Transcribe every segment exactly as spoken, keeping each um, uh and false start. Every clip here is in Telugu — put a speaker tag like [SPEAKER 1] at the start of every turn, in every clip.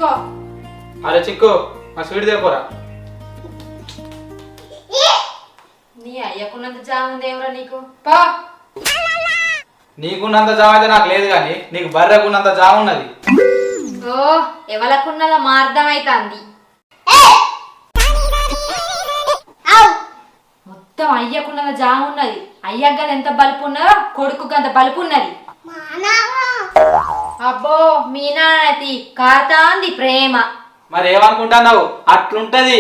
[SPEAKER 1] తీసుకో.
[SPEAKER 2] అరే చిక్కు మా స్వీట్ దేపోరా.
[SPEAKER 1] నీ అయ్యకున్నంత జామ ఉందేమరా నీకు? పా.
[SPEAKER 2] నీకున్నంత జామ అయితే నాకు లేదు కానీ నీకు బర్రెకున్నంత జామ ఉన్నది.
[SPEAKER 1] ఓ ఎవలకున్నదో మా అర్థమైతాంది. మొత్తం అయ్యకున్నద జామ ఉన్నది. అయ్యగ్గ ఎంత బలుపు ఉన్నదో కొడుకు అంత బలుపు ఉన్నది. అబ్బో మీ నాన్నతి కాతాంది ప్రేమ.
[SPEAKER 2] మరి ఏమనుకుంటున్నావు? అట్లుంటది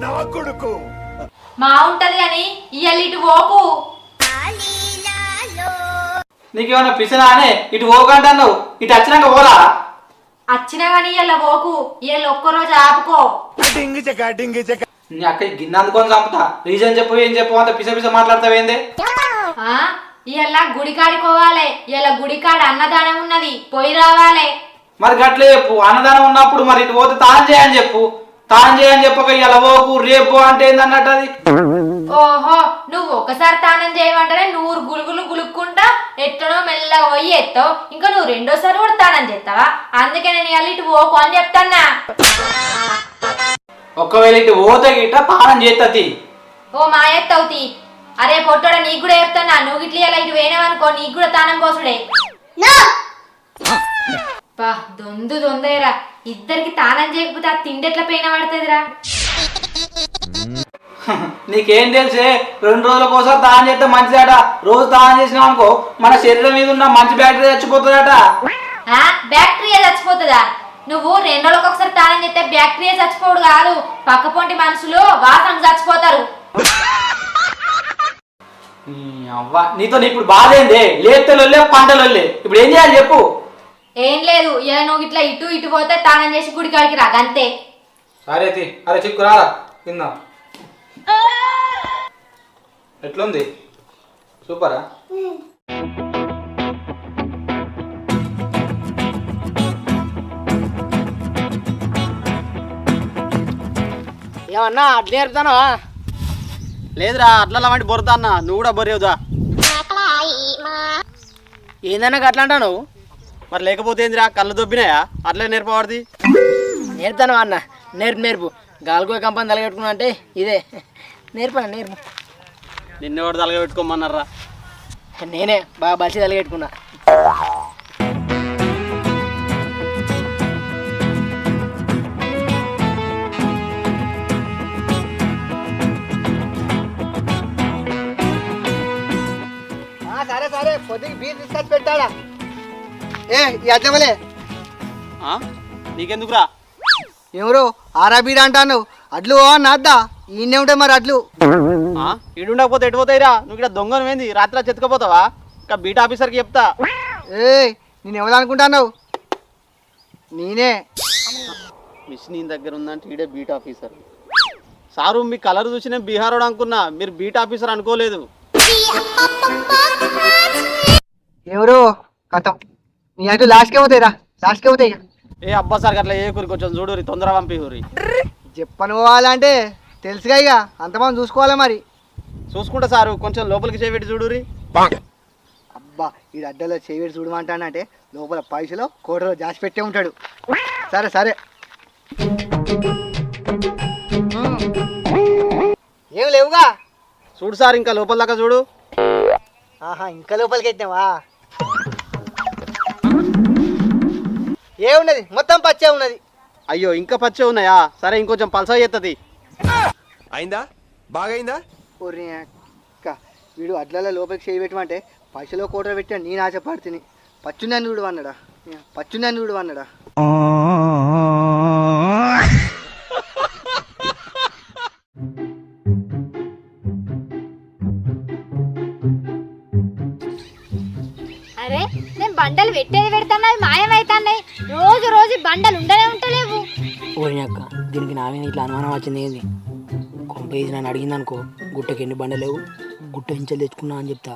[SPEAKER 1] మా ఉంటది అని ఇయ్యాల ఇటు పోకు.
[SPEAKER 2] నీకేమన్నా పిసినా అనే ఇటు పోకంటున్నావు. ఇటు వచ్చినాక పోరా.
[SPEAKER 1] వచ్చినా గాని ఇయ్యాల పోకు. ఇయ్యాల ఒక్కరోజు ఆపుకో.
[SPEAKER 2] నీ అక్క గిన్నె అందుకొని చంపుతా. రీజన్ చెప్పు ఏం చెప్పు అంత పిస పిస మాట్లాడతావేందే?
[SPEAKER 1] ఇయ్యాల గుడికాడికోవాలి. ఇయ్యాల గుడికాడ అన్నదానం ఉన్నది, పోయి రావాలి.
[SPEAKER 2] మరి గట్లే చెప్పు. అన్నదానం ఉన్నప్పుడు మరి ఇటు పోతే తాను చేయని చెప్పు. తాను చేయని చెప్పక ఇలా పోకు రేపు అంటే ఏందన్నట్టు అది.
[SPEAKER 1] ఓహో నువ్వు ఒకసారి తానం చేయమంటేనే నూరు గులుగులు గులుక్కుంటా ఎట్టనో మెల్లగా పోయి ఎత్తావు. ఇంకా నువ్వు రెండోసారి కూడా తానం చేస్తావా? అందుకే నేను ఇవాళ ఇటు పోకు అని చెప్తాన్నా.
[SPEAKER 2] ఒకవేళ ఇటు పోతే గిట్ట తానం చేస్తుంది.
[SPEAKER 1] ఓ మా ఎత్తవుతి. అరే పొట్టోడ నీకు కూడా చెప్తానా, నువ్వు ఇట్లా ఇలా ఇటు వేయనవనుకో నీకు కూడా తానం పోసుడే. పా దొందు దొందేరా. ఇద్దరికి తానం చేయకపోతే ఆ తిండి ఎట్లా పైన పడుతుందిరా.
[SPEAKER 2] నీకేం తెలిసే? రెండు రోజుల కోసం తానం చేస్తే మంచిదట. రోజు తానం చేసినావు అనుకో మన శరీరం మీద ఉన్న మంచి బ్యాక్టీరియా చచ్చిపోతుందట.
[SPEAKER 1] బ్యాక్టీరియా చచ్చిపోతుందా? నువ్వు రెండు రోజులకు ఒకసారి తానం చేస్తే బ్యాక్టీరియా చచ్చిపోడు కాదు, పక్క పొంటి మనుషులు వాసన చచ్చిపోతారు.
[SPEAKER 2] అవ్వ నీతో ఇప్పుడు బాధ ఏంది? లేతలొల్లే పంటలొల్లే. ఇప్పుడు ఏం చేయాలి చెప్పు?
[SPEAKER 1] ఏం లేదు, ఇలా నువ్వు ఇట్లా ఇటు ఇటు పోతే తానం చేసి గుడి కాడికి రా అంతే.
[SPEAKER 2] సరే తి. అరే చిక్కు రారా తిందాం. ఎట్లుంది? సూపరా?
[SPEAKER 3] ఏమన్నా అట్లా నేర్పుతానా? లేదురా అట్లా వంటి బొరుతా అన్న. నువ్వు కూడా బొరేవుదా? ఏందన్నా అట్లా అంటా నువ్వు? మరి లేకపోతే ఏందిరా కళ్ళు దొబ్బినాయా? అట్లా నేర్పవాడిది. నేర్పుతాను అన్న. నేర్పు నేర్పు. గాలిగో కంపెనీ తలగెట్టుకున్నా అంటే ఇదే నేర్పా నేర్పు. నిన్నెవడు తలగబెట్టుకోమన్నారా? నేనే బాగా బలిసి తలగెట్టుకున్నా. సరే సరే పొద్దుకి బీర్ తీసుకొచ్చి పెట్టాడా? ఏ అట్లమలే నీకెందుకురా? ఎవరు ఆరా బీర్ అంటాను? అడ్లు నాద్దా ఈయనే ఉంటాయి మరి అడ్లు. ఈడుండకపోతే ఎటు పోతాయిరా? నువ్వు ఇక్కడ దొంగను ఏంది? రాత్రి చెత్తకపోతావా? ఇంకా బీట్ ఆఫీసర్కి చెప్తా. ఏ నేను ఎవరు అనుకుంటాను? నేనే. మిస్ నీ దగ్గర ఉందంటే ఈడే బీట్ ఆఫీసర్. సారు మీ కలర్ చూసి నేను బీహార్ వాడు అనుకున్నా, మీరు బీట్ ఆఫీసర్ అనుకోలేదు. ఎవరు కథం నీ అటు లాస్ట్కే పోతాయిరా, లాస్ట్కే పోతాయి. ఏ అబ్బా సార్ అట్లా ఏ కూరి కొంచెం చూడు, తొందర పంపి ఊరి. చెప్పను పోవాలంటే తెలుసుగా ఇక అంతమంది చూసుకోవాలి. మరి చూసుకుంటా సారు, కొంచెం లోపలికి చేయబెట్టి చూడురి. అబ్బా ఈ అడ్డలో చేయబెట్టి చూడమంటానంటే లోపల పైసలో కోటలో జాసి పెట్టే ఉంటాడు. సరే సరే ఏం లేవుగా చూడు సార్, ఇంకా లోపల దాకా చూడు. ఆహా ఇంకా లోపలికి పెట్టినావా? ఏమున్నది మొత్తం పచ్చే ఉన్నది. అయ్యో ఇంకా పచ్చే ఉన్నాయా? సరే ఇంకొంచెం పల్సా చేస్తుంది.
[SPEAKER 4] అయిందా? బాగైందా?
[SPEAKER 3] వీడు అడ్లలో లోపలికి చేయి పెట్టమంటే పైసలో కోట పెట్టాను. నేను ఆశపడుతుంది. పచ్చున్నాను వీడు అన్నాడా? పచ్చున్నాను వీడు అన్నాడా?
[SPEAKER 5] అరే నేను బండలు పెట్టేది పెడతాను, అవి మాయమవుతున్నాయి. రోజు రోజు బండలు ఉండనే ఉంటలేవు.
[SPEAKER 3] ఓరి అక్క దీనికి నా మీద ఇట్లా అనుమానం వచ్చింది ఏంది? కొంపేసి నన్ను అడిగింది అనుకో, గుట్టకి ఎన్ని బండలేవు గుట్ట ఇంచెలు తెచ్చుకున్నా అని చెప్తా.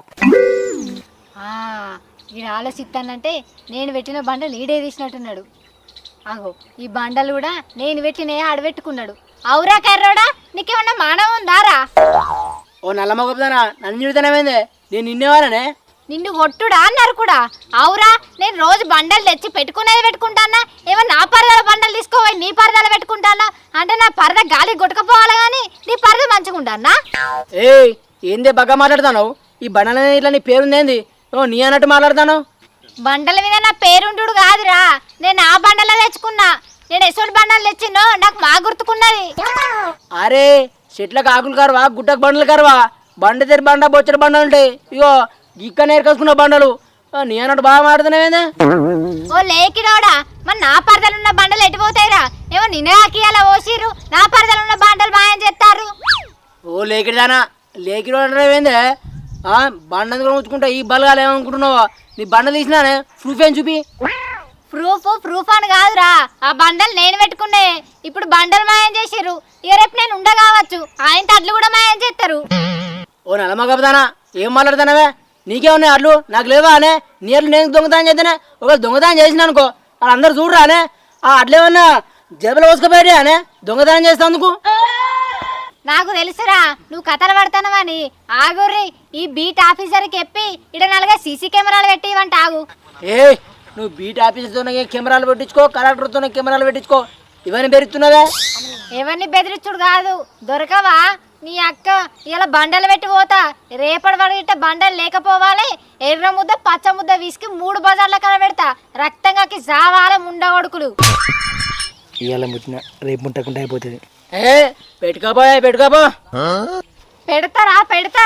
[SPEAKER 5] ఈయన ఆలోచిస్తానంటే నేను పెట్టిన బండలు ఈడే తీసినట్టున్నాడు. అగో ఈ బండలు కూడా నేను పెట్టినే ఆడబెట్టుకున్నాడు. అవురా కర్రోడా, నీకేమన్నా మానవం ఉందారా?
[SPEAKER 3] ఓ నల్ల మొగపుదానా నన్ను చూడతానేమైందే? నేను నిన్నేవారనే
[SPEAKER 5] నిన్ను కొట్టుడా అన్నారు కూడా. అవురా, నేను రోజు బండలు తెచ్చి పెట్టుకునేది పెట్టుకుంటానా, ఏమో నా పరదల బండలు తీసుకోపోయి నీ పరదలు పెట్టుకుంటానా అంటే నా పరద గాలి కొట్టుకపోవాలి కానీ నీ పరద మంచుకుంటానా?
[SPEAKER 6] ఏ ఏందే బాగా మాట్లాడతాను? ఈ బండల ఇట్లా నీ పేరుందేంది? ఓ నీ అన్నట్టు మాట్లాడతాను.
[SPEAKER 5] బండల మీద నా పేరుంటుడు కాదురా, నేను ఆ బండలో తెచ్చుకున్నా. నేను ఎసోటి బండలు తెచ్చినో నాకు మా గుర్తుకున్నది.
[SPEAKER 6] అరే చెట్లకు ఆకులు కరవా, గుట్టకు బండలు కరవా, బండ తెరి బండ బొచ్చడి బండలు ఉంటాయి. ఇగో ఇక్క నేర్కొసుకున్న బండలు. నీ అన్నట్టు బాగా మాట్లాడుతున్నావేందే?
[SPEAKER 5] ఓ లేకినోడా, మరి నా పరదలున్న బండలు ఎటుపోతాయిరా? ఏమో నిన్నగాకియాల ఓసిరు, నా పరదలున్న బండలు మాయం చేస్తారు.
[SPEAKER 6] ఓ లేకిడిదానా, లేకిడు అంటావేందే? బండ ఉంచుకుంటా ఈ బలగాలు ఏమనుకుంటున్నావా? నీ బండ తీసినానే ప్రూఫ్ ఏం చూపి.
[SPEAKER 5] ప్రూఫ్ ప్రూఫ్ అని కాదురా, ఆ బండలు నేను పెట్టుకునే. ఇప్పుడు బండలు మాయం చేసిర్రు, ఇక రేపు నేను ఉండ కావచ్చు, ఆయన తడ్లు కూడా మాయం చేస్తారు.
[SPEAKER 6] ఓ నలమ కబదానా, ఏం మాట్లాడుతున్నావే? నీకేమున్నాయి అడ్లు? నాకు లేవా అనే? నీ అడ్లు నేను దొంగతనం చేద్దానే? ఒకవేళ దొంగతనం చేసిన అనుకో వాళ్ళందరూ చూడరా అనే? ఆ అడ్లు ఏమన్నా జేబులో పోసుకుపోయాడే అనే దొంగతనం చేసేందుకు?
[SPEAKER 5] నాకు తెలుసురా నువ్వు కథలు పడతానవని. ఆగుర్రి, ఈ బీట్ ఆఫీసర్కి చెప్పి ఇడ నలుగా సీసీ కెమెరాలు పెట్టి ఇవంట. ఆగు.
[SPEAKER 6] ఏ నువ్వు బీట్ ఆఫీసర్తోనే కెమెరాలు పెట్టించుకో, కలెక్టర్తోనే కెమెరాలు పెట్టించుకో, ఇవన్నీ పెరుగుతున్నావే.
[SPEAKER 5] ఎవరిని బెదిరించుడు కాదు, దొరకవా నీ అక్క? ఇలా బండలు పెట్టి పోతా, రేపటి వరకు ఇట్ట బండలు లేకపోవాలి. ఎర్ర ముద్ద పచ్చ ముద్ద విసికి మూడు బజార్ల కన పెడతా, రక్తంగాకి జావాల ముండగొడుకులు.
[SPEAKER 6] ఇవాళ ముట్టిన రేపు ముట్టకుండా అయిపోతుంది. ఏ పెట్టుకోపోయా పెట్టుకోపో.
[SPEAKER 5] పెడతారా? పెడతా.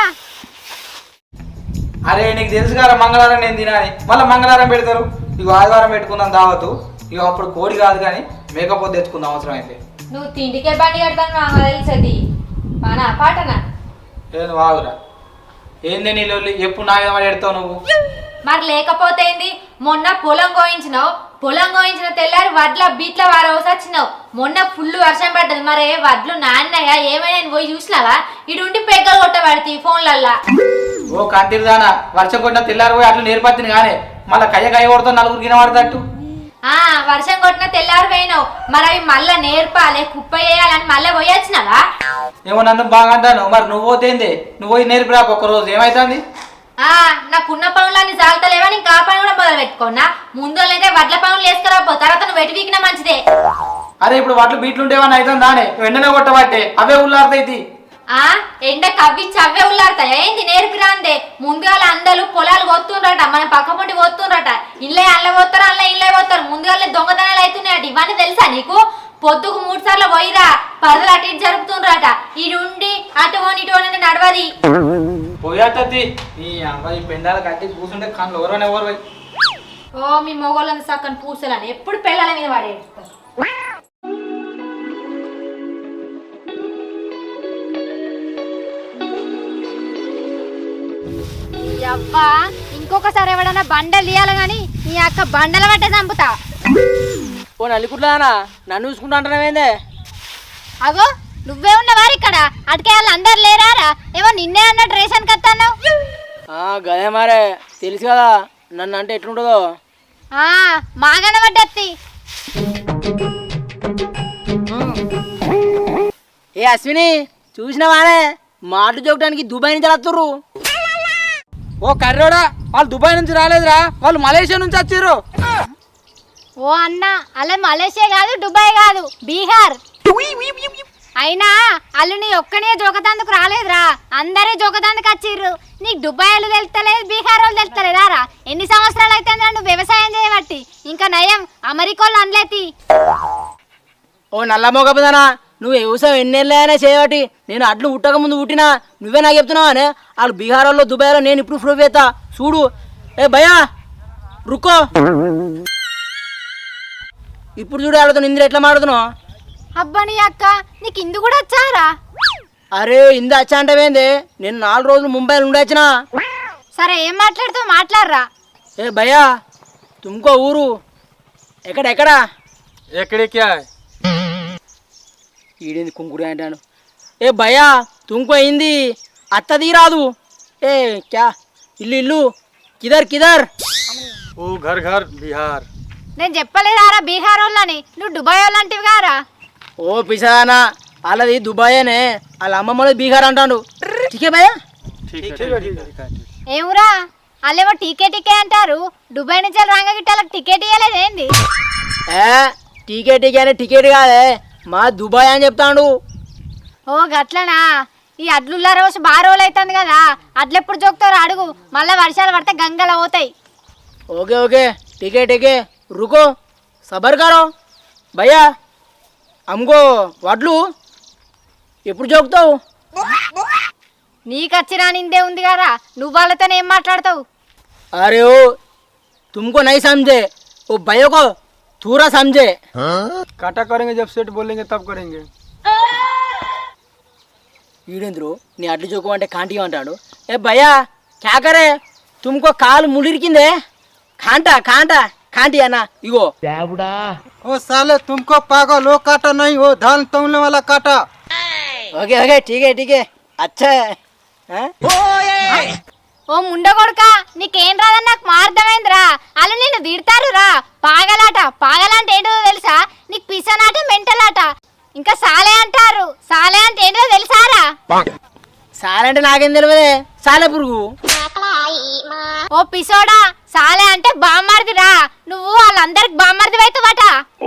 [SPEAKER 2] అరే నీకు తెలుసు కదా మంగళవారం నేను తినాలి, మళ్ళీ మంగళవారం పెడతారు. ఇక ఆదివారం పెట్టుకుందాం దావతు. ఇక అప్పుడు కోడి కాదు కానీ మేకపోతే తెచ్చుకుందాం అవసరం అయితే.
[SPEAKER 1] నువ్వు తిండికే బండి కడతాను మాకు తెలుసది. పానా పాటనా?
[SPEAKER 2] నేను వాగురా, ఏంది నీ లొల్లి? ఎప్పుడు నా మీద పెడతావు నువ్వు?
[SPEAKER 1] మరి లేకపోతే ఏంది? మొన్న పొలం కోయించినావు, పొలం కోయించిన తెల్లారి వడ్ల బీట్ల వారవసి వచ్చినావు. మొన్న ఫుల్ వర్షం పడ్డది, మరి వడ్లు నాన్నయ్య ఏమైనా పోయి చూసినావా? ఇడుండి పెగ్గలు కొట్టబడితే ఫోన్లల్లా.
[SPEAKER 2] ఓ కంటిదానా, వర్షం కొట్టిన తెల్లారి పోయి అట్లా నేర్పత్తిని కానీ మళ్ళీ కయ్య కయ్య కొడుతావు నలుగురు గినబడతట్టు.
[SPEAKER 1] ఆ వర్షం కొట్టిన తెల్లారి పోయినావు, మరి అవి మళ్ళా నేర్పాలి కుప్ప వేయాలని మళ్ళీ పోయి వచ్చినావా?
[SPEAKER 2] ఏమో నన్ను బాగా అంటాను, మరి నువ్వు పోతేంది? నువ్వు పోయి నేర్పిరా ఒక్కరోజు, ఏమైతుంది?
[SPEAKER 1] ఆ నాకున్న పనులన్నీ చాలతలేవా? నేను కా పని కూడా మొదలు పెట్టుకున్నా. ముందు అయితే వడ్ల పనులు వేసుకురాపో, తర్వాత నువ్వు వెటి వీకినా మంచిదే.
[SPEAKER 2] అరే ఇప్పుడు వడ్లు బీట్లు ఉంటేవని అవుతుంది దానే, వెంటనే కొట్టబట్టే అవే ఉల్లారుతాయి.
[SPEAKER 1] ఆ ఎండ కవ్విచ్చి అవే ఉల్లాడతాయి. ఏంది నేర్పిరా అందే? ముందుగా అందరూ పొలాలు పోతుండ్రట, మన పక్క పొంటి పోతుండ్రట. ఇళ్ళే అల్ల పోతారు, అల్ల ఇళ్ళే పోతారు. ముందుగా దొంగతనాలు అవుతున్నాయట. ఇవన్నీ తెలుసా నీకు? పొద్దుకు మూడు సార్లు పోయిరా, పరదలు అటు ఇటు జరుపుతుండ్రట. ఇటుండి అటు పోని ఇటు పోని నడవది.
[SPEAKER 2] పోయాతది నీ అబ్బాయి పెండాల కట్టి కూర్చుంటే కళ్ళు ఎవరైనా ఎవరు పోయి.
[SPEAKER 1] ఓ మీ మొగోళ్ళని సక్కని పూసలని ఎప్పుడు పిల్లల మీద పడేస్తారు.
[SPEAKER 5] అబ్బా, ఇంకొకసారి ఎవడన్నా బండలు తీయాలి గాని నీ అక్క బండల పట్టే చంపుతా.
[SPEAKER 6] ఓ నల్లికుట్లానా, నన్ను చూసుకుంటా అంటున్నావేందే?
[SPEAKER 5] అగో నువ్వే ఉన్నవారు ఇక్కడ, అటుకే వాళ్ళు అందరు లేరారా? ఏమో నిన్నే అన్నట్టు రేషన్ కత్తాను.
[SPEAKER 6] గదే మరే తెలుసు కదా నన్ను అంటే ఎట్లుంటుందో.
[SPEAKER 5] మాగన పడ్డత్తి.
[SPEAKER 6] ఏ అశ్విని చూసినావానే, మాటలు చూడటానికి దుబాయ్ నుంచి వస్తుర్రు.
[SPEAKER 2] ఓ కర్రోడా, వాళ్ళు దుబాయ్ నుంచి రాలేదురా, వాళ్ళు మలేషియా నుంచి వచ్చారు.
[SPEAKER 5] ఓ అన్న, అలా మలేషియా కాదు, దుబాయ్ కాదు, బీహార్. అయినా అల్లు నీ ఒక్కనే జోకతాందుకు రాలేదురా, అందరే జోకతాందుకు వచ్చిర్రు. నీకు దుబాయ్ వాళ్ళు తెలుస్తలేదు, బీహార్ వాళ్ళు తెలుస్తలేదారా? ఎన్ని సంవత్సరాలు అయితే నువ్వు వ్యవసాయం చేయబట్టి. ఇంకా నయం అమెరికోళ్ళు అనలేతి.
[SPEAKER 6] ఓ నల్ల మొగపదనా, నువ్వు వ్యవసాయం ఎన్నేళ్ళైనా చేయబట్టి. నేను అడ్లు ఉట్టక ముందు పుట్టినా, నువ్వే నాకు చెప్తున్నావు అనే. వాళ్ళు బీహార్ వాళ్ళు దుబాయ్లో, నేను ఇప్పుడు ప్రూఫ్ చేస్తా చూడు. ఏ భయా రుక్కో, ఇప్పుడు చూడు ఆడుతాను ఇందులో ఎట్లా మాడుతున్నావు.
[SPEAKER 5] అబ్బా నీ అక్క, నీకు ఇందు కూడా వచ్చారా?
[SPEAKER 6] అరే ఇందు వచ్చా అంటేంది, నేను నాలుగు రోజులు ముంబైలో ఉండొచ్చినా.
[SPEAKER 5] సరే ఏం మాట్లాడుతావు మాట్లాడరా.
[SPEAKER 6] ఏ భయ్యా తుమ్కో ఊరు ఎక్కడ ఎక్కడా?
[SPEAKER 2] ఎక్కడికి
[SPEAKER 6] ఈడేంది కుంకుడు అంటాను. ఏ భయ్యా తుమ్కో అయింది, అత్తది రాదు. ఏ క్యా ఇల్లు ఇల్లు కిదర్ కిదర్?
[SPEAKER 2] ఓ ఘర్ ఘర్ బిహార్.
[SPEAKER 5] నేను చెప్పలేదారా బీహార్ వాళ్ళని, నువ్వు దుబాయ్ వాళ్ళంటివి గారా?
[SPEAKER 6] ఓ పిసానా, వాళ్ళది దుబాయేనే, వాళ్ళ అమ్మమ్మది బీహార్ అంటాడు. ఠీకే భయ్యా.
[SPEAKER 5] ఏమురా అల్లేమో టీకే టీకే అంటారు. దుబాయ్ నుంచి రాంగ గిట్టాలకు టికెట్ ఇవ్వలేదు ఏంది?
[SPEAKER 6] ఏ టీకే టీకే అనే టికెట్ కాదే మా దుబాయ్ అని చెప్తాడు.
[SPEAKER 5] ఓ గట్లనా? ఈ అడ్లుల్ల రోజు బాగా రోజులు అవుతుంది కదా, అడ్లు ఎప్పుడు జోకుతారో అడుగు, మళ్ళీ వర్షాలు పడితే గంగలు పోతాయి.
[SPEAKER 6] ఓకే ఓకే టీకే టీకే रुको సబర్ కరో భయ్యా అమ్ముకో వడ్లు ఎప్పుడు జోకుతావు?
[SPEAKER 5] నీకు వచ్చినా నిందే ఉంది కదా, నువ్వు వాళ్ళతోనే ఏం మాట్లాడతావు?
[SPEAKER 6] अरे ओ तुमको नहीं समझे, वो भैया को थोड़ा समझे.
[SPEAKER 2] काटा करेंगे जब सेट बोलेंगे तब करेंगे.
[SPEAKER 6] ఈడేంద్రు నీ అడ్లు జోకమంటే కాంటి అంటాడు. ఏ భయ్యా క్యా కరే తుమ్కో కాలు ముడిరికిందే కాంటా కాంటా కాంటి అన్న ఇగో.
[SPEAKER 3] ओ साले तुमको पागल वो काटा नहीं, वो धान तोड़ने वाला काटा.
[SPEAKER 6] ఓకే ఓకే ఠీకే ఠీకే అచ్చా.
[SPEAKER 5] ఓ ముండ కొడుక, నీకేం రాదని నాకు మార్దమైందిరా. అలా నిన్ను తిడతారు రా. పాగలాట పాగలంటే ఏంటో తెలుసా? నీకు పిసనాట మెంటలాట. ఇంకా సాలే అంటారు. సాలే అంటే ఏంటో తెలుసారా?
[SPEAKER 6] సాలంటే నాకేం తెలియదే సాలే పురుగు.
[SPEAKER 5] ఓ పిసోడా, సాలే అంటే బామ్మర్దిరా. నువ్వు వాళ్ళందరికి బామ్మర్ది అవుతావట.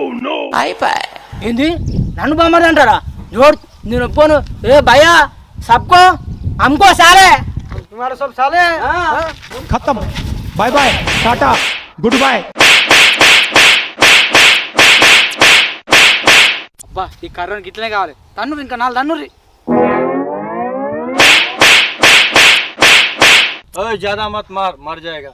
[SPEAKER 6] ఏంది నన్ను బొమ్మది అంటారా? జోడ్ నేను ఒప్పుకోను. ఏ భయ్యా సబ్కో అమ్కో సాలే.
[SPEAKER 3] तुम्हारा सब साले
[SPEAKER 4] खत्म. Bye bye tata good bye.
[SPEAKER 2] అబ్బా ఈ కర్రకి ఇట్లనే కావాలి. తన్ను ఇంకా నాలుగు తన్నుర్రి.
[SPEAKER 3] ओए ज्यादा मत मार, मर जाएगा.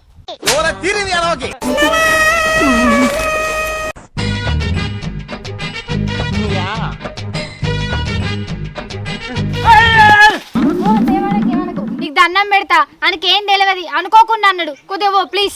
[SPEAKER 5] నీకు దండం పెడతా, ఆయనకేం తెలియదు అనుకోకుండా అన్నాడు. కుదేవో ప్లీజ్.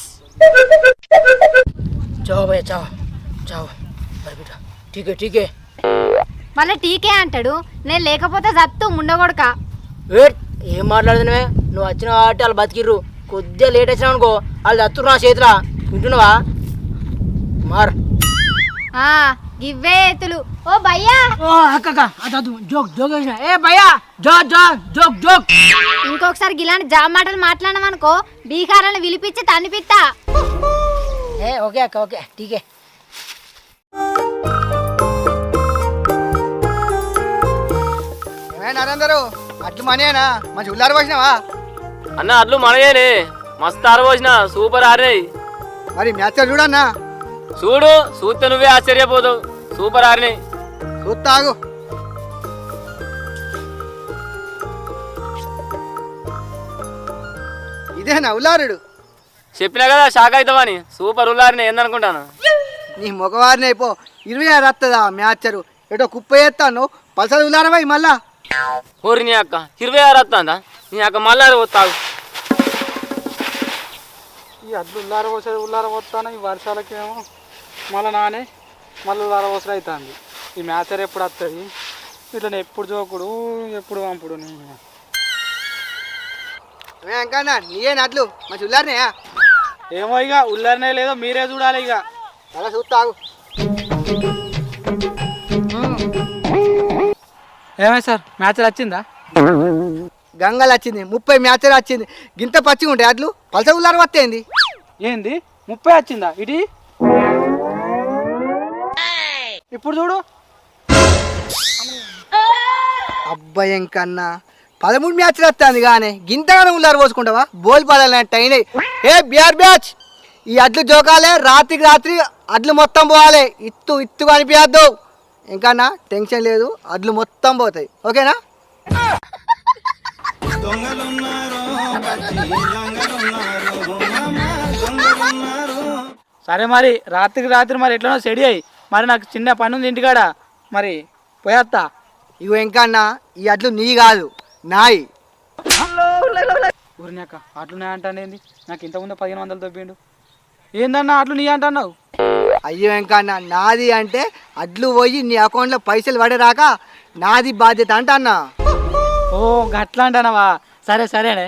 [SPEAKER 6] చావు భయ్యా చావు చావు బై బేటా ఠీకే ఠీకే.
[SPEAKER 5] మళ్ళీ టీకే అంటాడు. నేను లేకపోతే జత్తు ముండగొడక.
[SPEAKER 6] ఏ ఏం మాట్లాడుతున్నావే? నువ్వు వచ్చిన కాబట్టి వాళ్ళు బతికిర్రు. కొద్దిగా లేట్ వచ్చినావు అనుకో వాళ్ళు దత్తురు నా చేతిలో. వింటున్నావా? మార్
[SPEAKER 5] ఆ గివ్వే ఎత్తులు. ఓ భయ్యా,
[SPEAKER 6] ఓ అక్క అదదు జోక్ జోక్ వేసిన. ఏ భయ్యా జో జో జోక్ జోక్.
[SPEAKER 5] ఇంకొకసారి ఇలాంటి జాబ్ మాటలు మాట్లాడమనుకో బీహారాలను విలిపించి తన్నిపిత్తా.
[SPEAKER 6] ఏ ఓకే అక్క ఓకే ఠీకే.
[SPEAKER 3] నరేందరు అట్లు మనీనా మంచి ఉల్లారు పోసినావా?
[SPEAKER 7] అన్న అట్లు మనయేనే మస్తు ఆరబోసిన సూపర్ ఆరినాయి.
[SPEAKER 3] మరి మ్యాచ్ చూడన్నా.
[SPEAKER 7] చూడు చూస్తే నువ్వే ఆశ్చర్యపోతావు. సూపర్ ఆరినాయి.
[SPEAKER 3] చూస్తాగు. ఇదేనా ఉల్లారుడు?
[SPEAKER 7] చెప్పినా కదా షాక్ అవుతావని. సూపర్ ఉల్లారినాయి ఏందనుకుంటాను.
[SPEAKER 3] నీ మగవారిని అయిపో ఇరవై ఆరు వస్తుందా మ్యాచరు? ఏటో కుప్ప చేస్తాను పల్సర్ ఉల్లారమై మళ్ళా.
[SPEAKER 7] ఊరి నీ అక్క ఇరవై ఆరు వస్తుందా? నీ అక్క మళ్ళీ వస్తావు.
[SPEAKER 2] ఈ అడ్లు ఉల్లార పోసేది ఉల్లార పోతాను. ఈ వర్షాలకేమో మళ్ళీ నానే మళ్ళీ ఉల్లార పోసలు అవుతుంది. ఈ మ్యాచర్ ఎప్పుడు వస్తుంది? ఇట్లా ఎప్పుడు జోకుడు ఎప్పుడు పంపుడు.
[SPEAKER 3] ఇంకా నీయే నట్లు మంచి ఉల్లారినాయా?
[SPEAKER 2] ఏమో ఇక ఉల్లారనే లేదో మీరే చూడాలి. ఇక
[SPEAKER 3] అలా చూస్తాగు.
[SPEAKER 2] ఏమై సార్ మ్యాచ్ వచ్చిందా?
[SPEAKER 3] గంగలు వచ్చింది, ముప్పై మ్యాచర్ వచ్చింది. గింత పచ్చిగా ఉంటాయి అట్లు పల్సర్ ఉల్లారం వస్తేంది.
[SPEAKER 2] ఏంది ముప్పై వచ్చిందా? ఇటీ ఇప్పుడు చూడు.
[SPEAKER 3] అబ్బాయి కన్నా పదమూడు మ్యాచ్లు వస్తుంది కానీ గింతగానే ఉల్లారు పోసుకుంటావా? బోల్ పడాలంటే అయినాయి. ఏ బిఆర్ బ్యాచ్ ఈ అడ్లు జోకాలే. రాత్రికి రాత్రి అడ్లు మొత్తం పోవాలి. ఇత్తు ఇత్తు కనిపించద్దు. ఇంకన్నా టెన్షన్ లేదు, అడ్లు మొత్తం పోతాయి. ఓకేనా?
[SPEAKER 2] సరే మరి రాత్రికి రాత్రి మరి ఎట్లనో సెడి అయ్యి మరి నాకు చిన్న పని ఉంది ఇంటికాడ, మరి పోయేస్తా.
[SPEAKER 3] ఇగో ఇంకన్నా ఈ అడ్లు నీ కాదు నాయి.
[SPEAKER 2] ఊరినాక అట్లు నే అంటానేంది? నాకు ఇంతకుముందు పదిహేను వందలు దొబ్బిండు. ఏందన్నా అట్లు నీ అంటున్నావు?
[SPEAKER 3] అయ్యో ఇంకన్నా నాది అంటే అడ్లు పోయి నీ అకౌంట్లో పైసలు పడేరాక నాది బాధ్యత అంట అన్నా.
[SPEAKER 2] ఓ గట్లా అంటానవా? సరే సరేనే.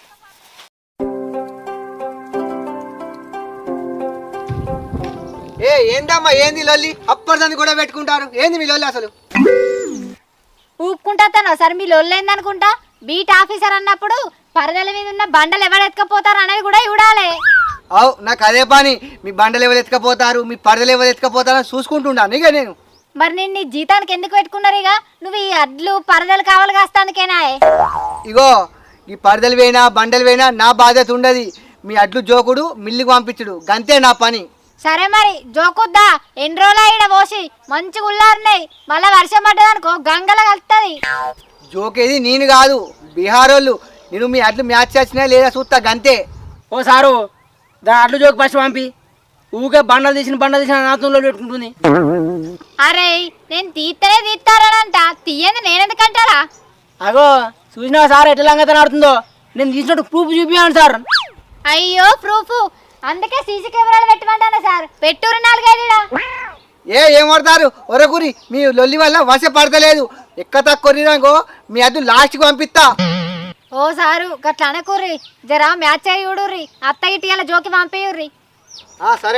[SPEAKER 3] ఏ ఏందమ్మా ఏంది లొల్లి? అప్పటిదాన్ని కూడా పెట్టుకుంటారు. ఏంది మీ లొల్లి అసలు?
[SPEAKER 5] ఊపుకుంటా తను సరే మీ లొల్లేందనుకుంటా. బీట్ ఆఫీసర్ అన్నప్పుడు పరదల మీద ఉన్న బండలు ఎవరు ఎత్తుకపోతారు అనేది కూడా చూడాలి.
[SPEAKER 3] అవు నాకు అదే పని. మీ బండలు ఎవరు ఎత్తుకపోతారు, మీ పరదలు ఎవరు ఎత్తుకపోతారని చూసుకుంటున్నాను ఇక నేను.
[SPEAKER 5] మరి నేను నీ జీతానికి ఎందుకు పెట్టుకున్నారు ఇక? నువ్వు ఈ అడ్లు పరదలు కావాలి కాస్తానికేనా?
[SPEAKER 3] ఇగో ఈ పరదలు వేయినా బండలు వేయినా నా బాధ్యత ఉండదు. మీ అడ్లు జోకుడు మిల్లుకు పంపించుడు గంతే నా పని.
[SPEAKER 5] సరే మరి జోకుద్దా. ఎన్ని రోజులు అయినా పోసి మంచిగా ఉల్లారినాయి. మళ్ళీ వర్షం పడ్డదనుకో గంగల కలుతుంది.
[SPEAKER 3] జోకేది నేను కాదు, బీహార్ వాళ్ళు. నేను మీ అడ్లు మ్యాచ్ వచ్చినా లేదా చూస్తా గంతే.
[SPEAKER 6] ఓ సారు దాని అడ్లు జోకి ఫస్ట్ పంపి. ఊకే బండలు తీసిన బండలు తీసిన నాతంలో పెట్టుకుంటుంది.
[SPEAKER 5] అరే నేను తీస్తేనే తీస్తారనంట, తీయంది నేనెందుకంటారా?
[SPEAKER 6] అగో చూసినా సార్ ఎట్లా లంగతన ఆడుతుందో. నేను తీసినట్టు ప్రూఫ్ చూపించాను సార్.
[SPEAKER 5] అయ్యో ప్రూఫ్, అందుకే సీసీ కెమెరాలు పెట్టమంటానా సార్? పెట్టురు నాలుగైదుడా.
[SPEAKER 3] ఏ ఏం పడతారు ఒరకూరి, మీ లొల్లి వల్ల వశ పడతలేదు. ఎక్క తక్కువ మీ అడ్డు లాస్ట్కి పంపిస్తా.
[SPEAKER 5] ఓ సారు గట్ల అనకూర్రి, జరా మ్యాచ్ అయ్యి చూడుర్రి. అత్త ఇటీల జోకి పంపేయుర్రి.
[SPEAKER 3] సరే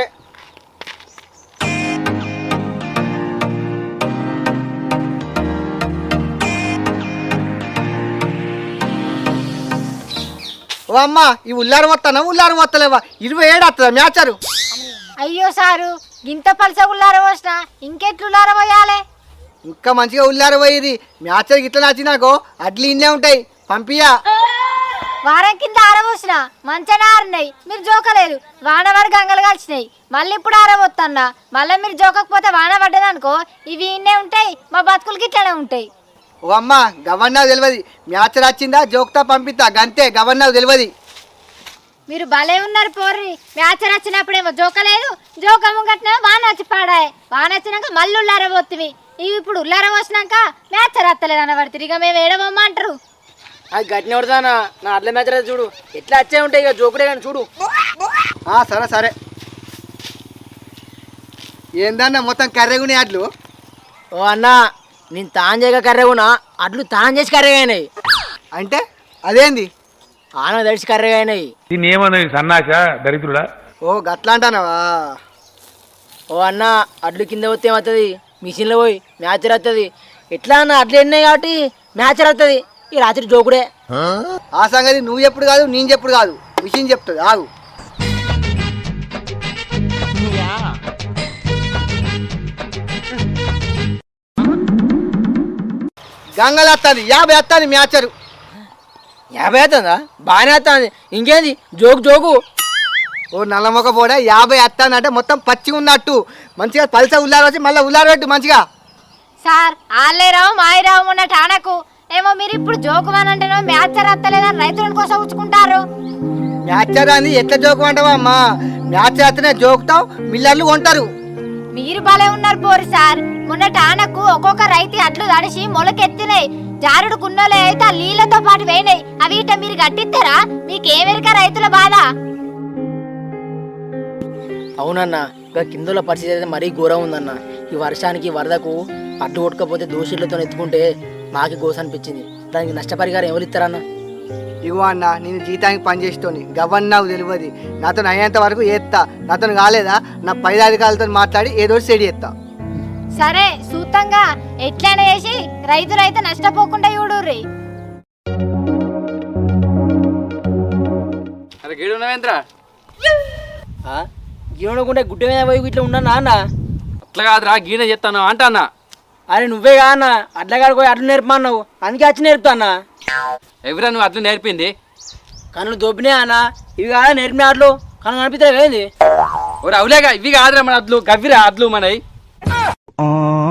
[SPEAKER 3] ఓ అమ్మ, ఈ ఉల్లారం వస్తానా ఉల్లారం వస్తలేవా? ఇరవై ఏడు వస్తుందా మ్యాచరు?
[SPEAKER 5] అయ్యో సారు గింత పలస ఉల్లార పోసిన ఇంకెట్లు ఉల్లార పోయాలి?
[SPEAKER 3] ఇంకా మంచిగా ఉల్లారం పోయిరి. మ్యాచర్ ఇట్లా నచ్చినాకో అడ్లు ఇన్నే ఉంటాయి, పంపియా.
[SPEAKER 5] వారం కింద ఆరబోసిన మంచిగా ఆరినాయి, మీరు జోకలేదు. వాన వాడు గంగలు కలిసినాయి. మళ్ళీ ఇప్పుడు ఆరబోతున్నా. మళ్ళీ మీరు జోకకపోతే వాన పడ్డదనుకో ఇవి ఇన్నే ఉంటాయి, మా బతుకులకి ఇట్లానే ఉంటాయి.
[SPEAKER 3] ఓ అమ్మ గవర్నర్ తెలియదు. మ్యాచర్ వచ్చిందా జోక్తా పంపిస్తా గంతే, గవర్నర్ తెలియదు.
[SPEAKER 5] మీరు భలే ఉన్నారు పోర్రి. మ్యాచ్ వచ్చినప్పుడేమో జోకలేదు, జోక ముంగట్నే వాన వచ్చి పాడాయి. వాన వచ్చినాక మళ్ళీ ఉల్లారబోతుంది. ఇవి ఇప్పుడు ఉల్లారబోసినాక మ్యాచ్ రత్తలేదు అనబడుతుంది. ఇక మేము ఏడవమ్మంటారు.
[SPEAKER 6] అది గట్టిన పడతానా నా అడ్ల మ్యాచ్ చూడు ఎట్లా వచ్చే ఉంటాయి. ఇక జోకుడే కానీ చూడు.
[SPEAKER 3] సరే సరే. ఏందన్నా మొత్తం కర్రెగునే అడ్లు?
[SPEAKER 6] ఓ అన్న నేను తాను చేయక కర్రెగునా, అడ్లు తాను చేసి కర్రెగా అయినాయి.
[SPEAKER 3] అంటే అదేంది?
[SPEAKER 6] ఆన తడిచి కర్రెగా అయినాయి.
[SPEAKER 4] దీన్ని ఏమన్నది సన్నాస దరిద్రుడా?
[SPEAKER 3] ఓ గట్లా అంటానవా?
[SPEAKER 6] ఓ అన్న అడ్లు కింద పోతే ఏమవుతుంది, మిషన్లో పోయి మ్యాచ్ వస్తుంది. ఎట్లా అన్న అడ్లు ఎన్నాయి కాబట్టి మ్యాచ్ వస్తుంది. ఈ రాత్రి జోకుడే.
[SPEAKER 3] ఆ సంగతి నువ్వు చెప్పుడు కాదు, నేను చెప్పుడు కాదు, విషయం చెప్తుంది ఆగు. గంగలు వస్తుంది, యాభై వస్తుంది మ్యాచరు.
[SPEAKER 6] యాభై అవుతుందా? బాగానే వస్తుంది. ఇంకేంది జోకు జోకు.
[SPEAKER 3] ఓ నల్లమొక్క పోడా యాభై వస్తానంటే మొత్తం పచ్చిగా ఉన్నట్టు. మంచిగా పల్స ఉల్లారు వచ్చి మళ్ళీ ఉల్లారు పెట్టు మంచిగా.
[SPEAKER 5] సార్ ఆళ్ళేరావు మాయిరావు ఉన్న టానకు ఏమో మీరు ఇప్పుడు జోకుమానంటేనో మ్యాచ్ రత్తలేదని రైతుల కోసం ఉంచుకుంటారు.
[SPEAKER 3] మ్యాచర్ అని ఎట్లా జోకు అంటావా అమ్మా? మ్యాచ్ వస్తేనే జోకుతావు, మిల్లర్లు కొంటారు.
[SPEAKER 5] మీరు భలే ఉన్నారు పోరు సార్. మొన్న టానకు ఒక్కొక్క రైతు అట్లు తడిసి మొలకెత్తినాయి. జారుడు కున్నోలే అయితే ఆ నీళ్లతో పాటు వేయినాయి. అవి ఇట మీరు గట్టిస్తారా? మీకేమెరిక రైతుల బాధ?
[SPEAKER 6] అవునన్నా ఇక కిందల పరిస్థితి అయితే మరీ ఘోరం ఉందన్న. ఈ వర్షానికి వరదకు అడ్డు కొట్టకపోతే దోషులతో ఎత్తుకుంటే మాకి గోస అనిపించింది. దానికి నష్టపరిహారం ఎవరు ఇస్తారన్న?
[SPEAKER 3] ఇగో అన్న, నేను జీతానికి పనిచేస్తోని గవర్నర్ తెలియదు. నాతో అయ్యేంత వరకు ఏత్తా, నాతో కాలేదా నా పై అధికారులతో మాట్లాడి ఏదో సెడి చేస్తా.
[SPEAKER 5] సరే సూతంగా ఎట్లైనా చేసి రైతులైతే నష్టపోకుండా చూడుర్రి.
[SPEAKER 7] అరే గీడు ఉన్నవేంద్రా?
[SPEAKER 6] గీనకుంటే గుడ్డ మీద పోయి ఇట్లా ఉన్నా అన్న.
[SPEAKER 7] అట్లా కాదురా, గీన చెప్తాను అంట అన్న.
[SPEAKER 6] అరే నువ్వే కా అన్న అడ్లగాడికి పోయి అడ్లు నేర్పమన్నావు, అందుకే వచ్చి నేర్పుతా అన్న.
[SPEAKER 7] ఎవరా నువ్వు అట్లా నేర్పింది?
[SPEAKER 6] కళ్ళు దొబ్బినే అన్న. ఇవి కాదా నేర్పిన అడ్లు? కళ్ళు కనిపిస్తాయి ఏంది?
[SPEAKER 7] ఓరే అవులేగా, ఇవి కాదురా మన అడ్లు, గవ్విరా అడ్లు మనవి.